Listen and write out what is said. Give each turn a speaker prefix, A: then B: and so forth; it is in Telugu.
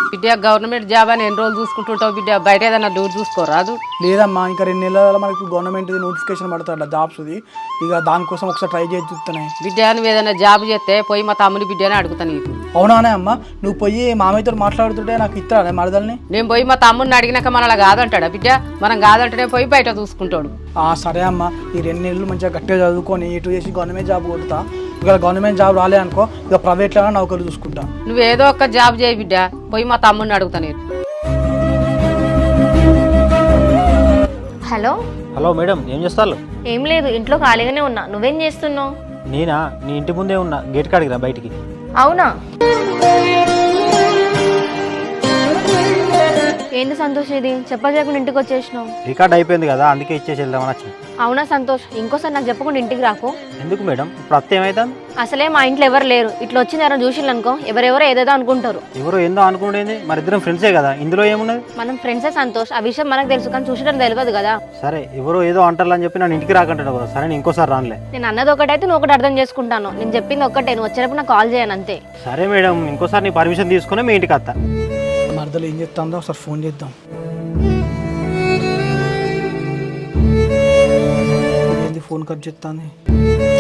A: బిడ్డ గవర్నమెంట్ జాబ్ అని ఎన్ని రోజులు చూసుకుంటుంటావు బిడ్డ, బయట ఏదైనా డూర్ చూసుకోరాదు.
B: లేదమ్మా, ఇంకా 2 నెలల మనకు గవర్నమెంట్ నోటిఫికేషన్ పడుతుంది జాబ్స్ది. ఇక దానికోసం ఒకసారి ట్రై చేసి చూస్తున్నాయి.
A: బిడ్డ నువ్వు ఏదైనా జాబ్ చేస్తే పోయి మా తమ్ముని బిడ్డని అడుగుతాను నీకు.
B: అవునానే అమ్మ, నువ్వు పోయి మామయ్యతో మాట్లాడుతుంటే నాకు ఇస్తానే మరదల్ని.
A: నేను పోయి మా తమ్ముడిని అడిగినాక మనలా కాదంటాడా బిడ్డ? మనం కాదంటేనే పోయి బయట చూసుకుంటాడు.
B: సరే అమ్మ, ఈ 2 నెలలు మంచిగా గట్టిగా చదువుకొని ఇటు చేసి గవర్నమెంట్ జాబ్ కొడతా. ఒకవేళ గవర్నమెంట్ జాబ్ రాలే అనుకో, ఇక ప్రైవేట్లో నౌకరు చూసుకుంటా.
A: నువ్వు ఏదో ఒక జాబ్ చేయి బిడ్డ, పోయి మా తమ్ముడిని అడుగుతా నేను.
C: హలో
D: హలో మేడం, ఏం చేస్తారు?
C: ఏం లేదు, ఇంట్లో ఖాళీగానే ఉన్నా. నువ్వేం చేస్తున్నావు?
D: నేనా, నీ ఇంటి ముందే ఉన్నా, గేట్ కాడికి రా బయటికి.
C: అవునా, ఏంది సంతోష్ ఇది చెప్పకుండా ఇంటికి వచ్చేసినావు?
D: రికార్డ్ అయిపోయింది కదా, అందుకే ఇచ్చేసి వెళ్దామని వచ్చి.
C: అవునా సంతోష్, ఇంకోసారి నాకు చెప్పకుండా ఇంటికి రాకు.
D: ఎందుకు మేడం, ఇప్పుడు అత్త ఏమైతుంది?
C: అసలే మా ఇంట్లో ఎవరు లేరు. ఇట్లా వచ్చింది ఎవరైనా చూసిళ్ళు అనుకో, ఎవరెవరో ఏదేదో అనుకుంటారు.
D: ఎవరో ఏందో అనుకుంటేంది, మరి ఇద్దరం ఫ్రెండ్సే కదా, ఇందులో ఏమున్నది?
C: మనం ఫ్రెండ్సే సంతోష్, ఆ విషయం మనకు తెలుసు, కానీ చూసడం తెలియదు కదా.
D: సరే, ఎవరో ఏదో అంటారని చెప్పి నన్ను ఇంటికి రాకంటాడు కదా. సరే, నేను ఇంకోసారి రానులే.
C: నేను అన్నది ఒకటైతే నువ్వు ఒకటి అర్థం చేసుకుంటాను. నేను చెప్పింది ఒక్కటే, నువ్వు వచ్చేటప్పుడు నాకు కాల్ చేయను అంతే.
D: సరే మేడం, ఇంకోసారి నీ పర్మిషన్ తీసుకుని మీ ఇంటికి వస్తా.
B: మరదలు ఏం చెప్తాందో ఒకసారి ఫోన్ చేద్దాం. ఏంది ఫోన్ కట్ చేస్తాంది?